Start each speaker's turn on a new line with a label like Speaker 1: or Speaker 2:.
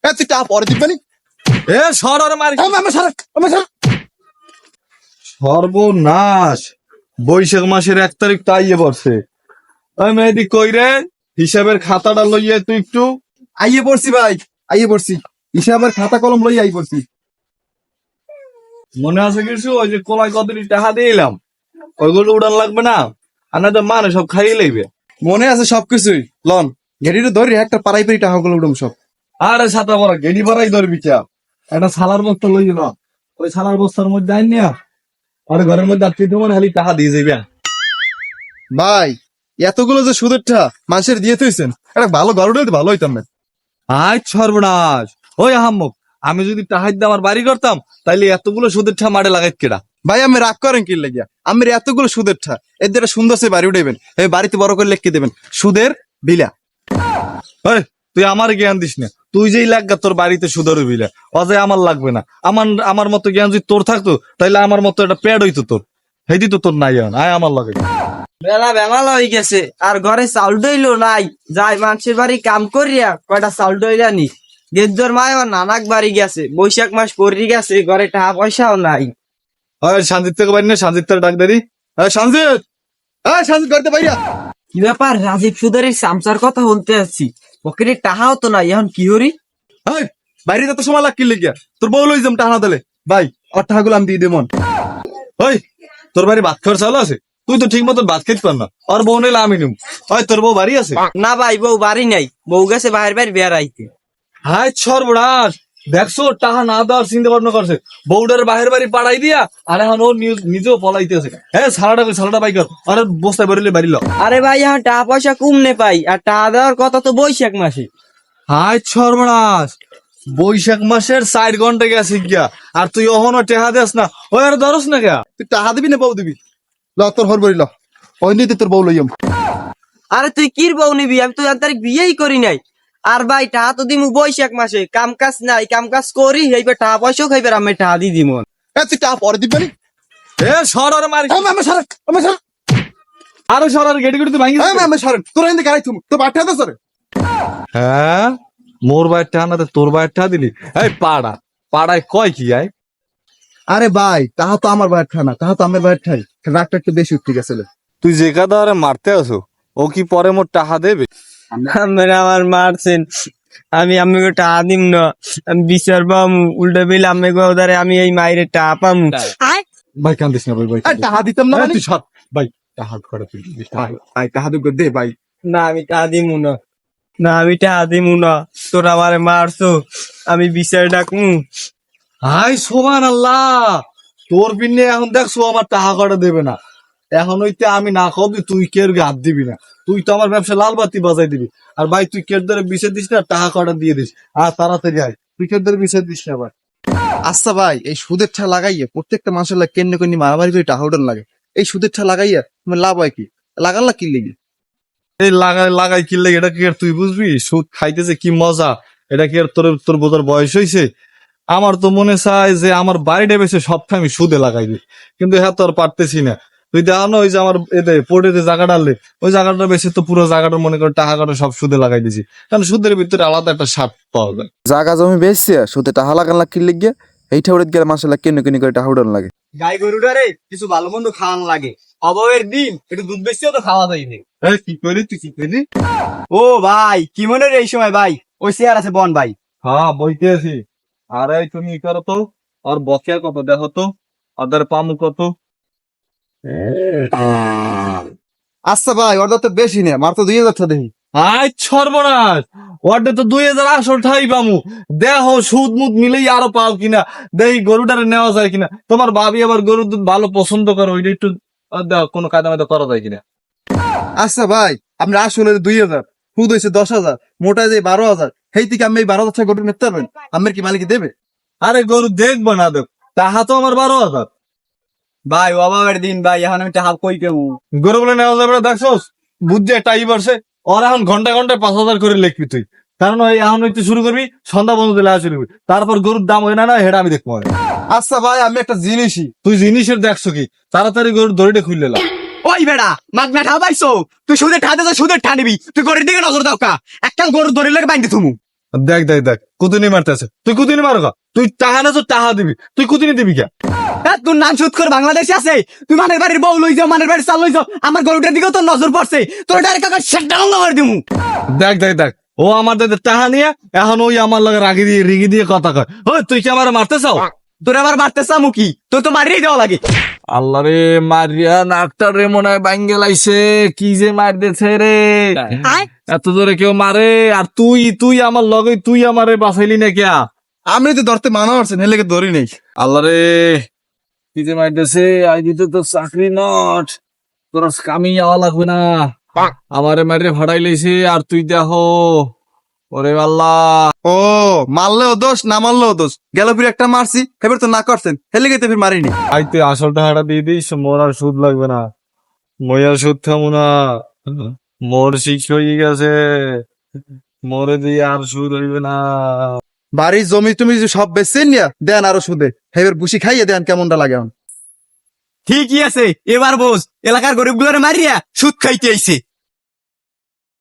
Speaker 1: তুই টাকা পরে দিবি
Speaker 2: এ সর আর মারি
Speaker 1: না।
Speaker 2: সর্বনাশ। বৈশাখ মাসের 1 তারিখ তো আইয়ে পড়ছে। ওই মেহেদি কই রে? হিসাবের খাতাটা লইয়ে তুই একটু।
Speaker 1: আইয়ে পড়ছি ভাই, আইয়ে পড়ছি। হিসাবের খাতা কলম লই আই পড়ছি।
Speaker 2: মনে আছে কিছু? ওই যে কোলায় কতটি টাকা দিয়ে এলাম, ওইগুলো উড়ান লাগবে না? আর না তো মানে সব খাইয়ে লইবে।
Speaker 1: মনে আছে সবকিছুই। লন গেড়িটা ধরি একটা পাড়াই পাড়ি টাকা গুলো উঠুম সব।
Speaker 2: আরে ছাতা পরা গেডি পরাই ধরবি চা। একটা সালার বস্তা লই না, ওই সালার বস্তার মধ্যে আইন নিয়া আর ঘরের মধ্যে আটকে তোমার খালি টাকা দিয়ে যাইবে।
Speaker 1: ভাই এতগুলো যে সুদের টাকা মানুষের দিয়ে থইছেন, একটা ভালো ঘর উঠে ভালো হইতাম না।
Speaker 2: আয় সর্বনাশ। ওই আহাম্মক, আমি যদি টাকা দিয়ে আমার বাড়ি করতাম তাইলে এতগুলো সুদের ঠা মাঠে লাগাইত কেডা?
Speaker 1: ভাই আমি রাগ করেন কি লাগিয়া? আমি এতগুলো সুদের ঠা এদের একটা সুন্দর সে বাড়ি উঠাইবেন, এই বাড়িতে বড় করে লিখে দেবেন সুদের বিলা।
Speaker 2: ওই তুই আমার জ্ঞান দিস না। তুই যেই লাগা তোর বাড়িতে সুদের বিলে অজয় আমার লাগবে না। আমার মতো জ্ঞান যদি তোর থাকতো তাইলে আমার মতো একটা প্যাড হইতো তোর। হেদি তো তোর নাই, আয় আমার লাগে।
Speaker 3: বেলা বেমাল হয়ে গেছে আর ঘরে চাউল ডইলো নাই। যাই মানুষের বাড়ি কাম করিয়া কয়টা চাউল ডইলা নি। গেদ্দর মায় আমার নানাক বাড়ি গেছে, বৈশাখ মাস পড়ি গেছে, ঘরে টাকা পয়সাও নাই।
Speaker 2: ওই সঞ্জিত থেকে বাড়ি না, সঞ্জিত থেকে ডাক দেরি।
Speaker 1: সঞ্জিত, সঞ্জিত করতে পাইয়া।
Speaker 3: কি ব্যাপার? রাজীব সুদারের সামসার কথা বলতে আসছি, পকেটে টাকাও তো নাই, এখন কি হরি?
Speaker 1: বাইরে তো সময় লাগ কি লিখিয়া তোর বউ লই যাম টাকা দিলে। ভাই ওর টাকাগুলো আমি দিয়ে দেবন।
Speaker 2: ওই তোর বাড়ি ভাত খাওয়ার চাল আছে? তুই তো ঠিক মতন ভাত খেতে পার না, আর বউ নিলে আমি নিম। ওই তোর বউ বাড়ি আছে?
Speaker 3: না ভাই, বউ বাড়ি নাই, বউ গেছে বাহির বাড়ি বেড়াইতে।
Speaker 2: হায় সর্বনাশ। দেখছো টাকা না দেওয়ার চিন্তা ভাবনা করছে, বউডার বাহির বাড়ি পাড়াই দিয়া আর এখন ও নিজেও পলাইতেছে। হ্যাঁ সালাটা বাই কর আর বস্তায় বেরোলে বাড়ি ল।
Speaker 3: আরে ভাই এখন টাকা পয়সা কমনে পাই, আর টাকা দেওয়ার কথা তো বৈশাখ মাসে।
Speaker 2: হায় সর্বনাশ। বৈশাখ মাসের 4 ঘন্টা গেছে গিয়া আর তুই অহনো টেহা দেস না। ওই আর ধরস না গা?
Speaker 1: তুই টাকা দিবি না বউ দিবি? ল তোর হর বড়ি ল, ওই নিতে তোর বউ লইয়াম।
Speaker 3: আরে তুই কির বউ নিবি? আমি তো তারিখ বিয়েই করি নাই। আর ভাই টাকা তো দিমু বৈশাখ মাসে, কাম কাজ নাই, কাম কাজ করি এইবার টাকা পয়সাও খাইবার আমি টাকা দিয়ে দিমু।
Speaker 1: তুই টাকা পরে দিবি না।
Speaker 2: এ সর আর মারি।
Speaker 1: আমি
Speaker 2: আরো সর আর গেটি গেটি তুই ভাঙি।
Speaker 1: সরেন তোর এনে গাড়ি থুম তো বাটা দে সরে।
Speaker 2: হ্যাঁ মোর বাইর টা না তোর বাইর টা দিলি। এই পাড়ায় কয় কি আয়?
Speaker 1: আরে ভাই তাহা তো আমার বাইর ঠানা, তাহা তো আমার বাইর ঠাই, রাগটা একটু বেশি উঠতে গেছিল।
Speaker 2: তুই যে কাদা আরে মারতে আসো, ও কি পরে মোর টাকা দেবে?
Speaker 3: আপনারা আমার মারছেন, আমি আমাকে টাকা দিম না, আমি বিচার পামু। উল্টা বিল আমাকে ওদারে আমি এই মাইরে টাকা পামু।
Speaker 2: ভাই কান্দিস না ভাই।
Speaker 1: টাকা দিতাম না মানে?
Speaker 2: তুই সর ভাই, টাকা করে তুই দিস।
Speaker 1: ভাই টাকা দুগো দে ভাই।
Speaker 3: না আমি টাকা দিমু না, না আমি টাকা দিমু না। তোরা আমারে মারছো, আমি বিচার ডাকমু।
Speaker 2: হাই সুবহানাল্লাহ। তোর বিনে এখন দেখছো আমার টাকা করে দেবে না। এখন হইতে আমি না খাবি, তুই কের হাত দিবি না। তুই তো আমার ব্যবসা লাল বাতি বাজাই দিবি। আর ভাই তুই কের ধরে বিষে দিস না, টাকা কটা দিয়ে দিস। আর তাড়াতাড়ি আয়, তুই কের ধরে বিষে দিস না ভাই।
Speaker 1: আচ্ছা ভাই এই সুদের ঠা লাগাইয়া প্রত্যেকটা মানুষের লাগে কেন্দ্র কেন্দ্র মারামারি করে টাকা উঠান লাগে, এই সুদের ঠা লাগাইয়া তোমার লাভ হয় কি? লাগান লাগ কি লেগে?
Speaker 2: এই লাগাই কিনলে এটা কি আর তুই বুঝবি? সুদ খাইতেছে কি মজা, এটা কি আর তোর বোঝার বয়স হয়েছে? আমার তো মনে চায় যে আমার বাড়িটা বেশি সবটা আমি সুদে লাগাই দিই, কিন্তু হ্যাঁ তো আর পারতেছি না। তুই দেখানো ওই যে আমার এতে পড়ে যে জায়গাটা আনলে, ওই জায়গাটা বেশি তো পুরো জায়গাটা মনে করে টাকা কাটা সব সুদে লাগাই দিছি, কারণ সুদের ভিতরে আলাদা একটা স্বাদ পাওয়া যায়।
Speaker 4: জাগা জমি বেচছে সুদে টাকা লাগান লাগ কিনলে গিয়ে এইটা উড়ে গেলে মানুষের লাগে কেন কেন করে টাকা উড়ান লাগে।
Speaker 3: গাই গরুটারে কিছু ভালো মন্দ খাওয়ান লাগে, অভাবের দিন একটু দুধ বেশিও তো খাওয়া যায়নি।
Speaker 2: কি করলি তুই, কি করলি?
Speaker 3: ও ভাই কি মনে রে এই সময় ভাই? ওই চেয়ার আছে বন ভাই।
Speaker 2: হ্যাঁ বইতে আছি। আরে তুমি ই করো তো, আর বকেয়া কত দেখো তো, ওদের পামু কত?
Speaker 1: আচ্ছা ভাই ওর তো বেশি না, মার তো 2000 টাকা দেখি।
Speaker 2: আয় সর্বনাশ। ওয়ার্ডে তো 2000 আসল ঠাই পামু। দেহ সুদ মুদ মিলেই আরো পাও কিনা, দেখি গরুটারে নেওয়া যায় কিনা। তোমার ভাবি আবার গরুর দুধ ভালো পছন্দ করো, ওইটা একটু দেখ কোনো কায়দা মায়দা করা যায় কিনা।
Speaker 1: আচ্ছা ভাই আপনি আসলে 2000, সুদ হয়েছে 10,000, মোটা যে 12,000, সেই থেকে আমি এই 12,000 টাকা গরু নিতে পারবেন? আমার কি মালিক দেবে?
Speaker 2: আরে গরু দেখবো না দেখ, তাহা তো আমার 12,000।
Speaker 3: ভাই অভাবের দিন ভাই, এখন আমি টাকা কই কেমু?
Speaker 2: গরু বলে নেওয়া যাবে না, দেখছোস বুঝছে টাই বাড়ছে। ওর এখন ঘন্টায় 5,000 করে লিখবি তুই, কারণ ওই এখন হইতে শুরু করবি, সন্ধ্যা পর্যন্ত লেখা শুরু করবি, তারপর গরুর দাম হয় না হেটা আমি দেখবো।
Speaker 1: আচ্ছা ভাই আমি একটা জিনিসই।
Speaker 2: তুই জিনিসের দেখছো কি? তাড়াতাড়ি গরুর দড়িটা খুললে লা।
Speaker 3: ওই বেড়া মাগ না ঠা পাইছো? তুই সুদের ঠা দে, সুদের ঠা নিবি? তুই গরুর দিকে নজর দাও কা, একটা গরুর দড়ি লাগে বাইন্ধে থুমু।
Speaker 2: দেখ কুতুনি মারতেছে, তুই কুতুনি মারো কা? তুই টাহা না তো টাহা দিবি, তুই কুতুনি দিবি কে?
Speaker 3: তোর নাম সুদ করে বাংলাদেশে আছে, তুই মানের বাড়ির বউ লই যাও, মানের বাড়ির চাল লই যাও, আমার গরুটার দিকেও তোর নজর পড়ছে, তোর ডাইরেক্ট কাকা সেটা লঙ্গা করে দিমু।
Speaker 2: দেখ দেখ দেখ, ও আমার দাদা টাহা নিয়ে এখন ওই আমার লগে রাগি দিয়ে রিগি দিয়ে কথা কয়। ওই তুই কি আমার মারতে চাও?
Speaker 3: তোর আবার মারতে চামু কি, তোর তো মারিয়ে দেওয়া লাগে।
Speaker 2: আল্লাহ রে, মারিয়া নাকটা রে মনে হয় ভাঙ্গে লাইছে, কি যে মার দিছে রে, এত জোরে কেউ মারে? আর তুই তুই আমার লগে, তুই আমারে বাঁচাইলি না কিয়া?
Speaker 1: আমি তো ধরতে মানা করছেন হেলে ধরি নেই।
Speaker 2: আল্লাহ রে, কি যে মার দিছে, আই দিতে তো চাকরি নট, তোর কামি যাওয়া লাগবে না, আমারে মারে ভাড়াই লাইছে। আর তুই দেখো, ওরে আল্লাহ,
Speaker 1: ও মারলেও দোষ না মারলেও দোষ, গেল ফিরে একটা মারছি এবার তো না করছেন হেলে গেতে ফির মারিনি।
Speaker 2: আই তুই আসল টাকাটা দিয়ে দিস, মোর আর সুদ লাগবে না, মই আর সুদ খাবো না, মোর শিক্ষ হয়ে গেছে, মোরে দিয়ে আর সুদ হইবে না।
Speaker 1: বাড়ির জমি তুমি যে সব বেচছেন নিয়া দেন আরো সুদে, হেবের বুসি খাইয়ে দেন কেমনটা লাগে এখন।
Speaker 3: ঠিকই আছে, এবার বোঝ, এলাকার গরিব গুলোরে মারিয়া সুদ খাইতে আইছে।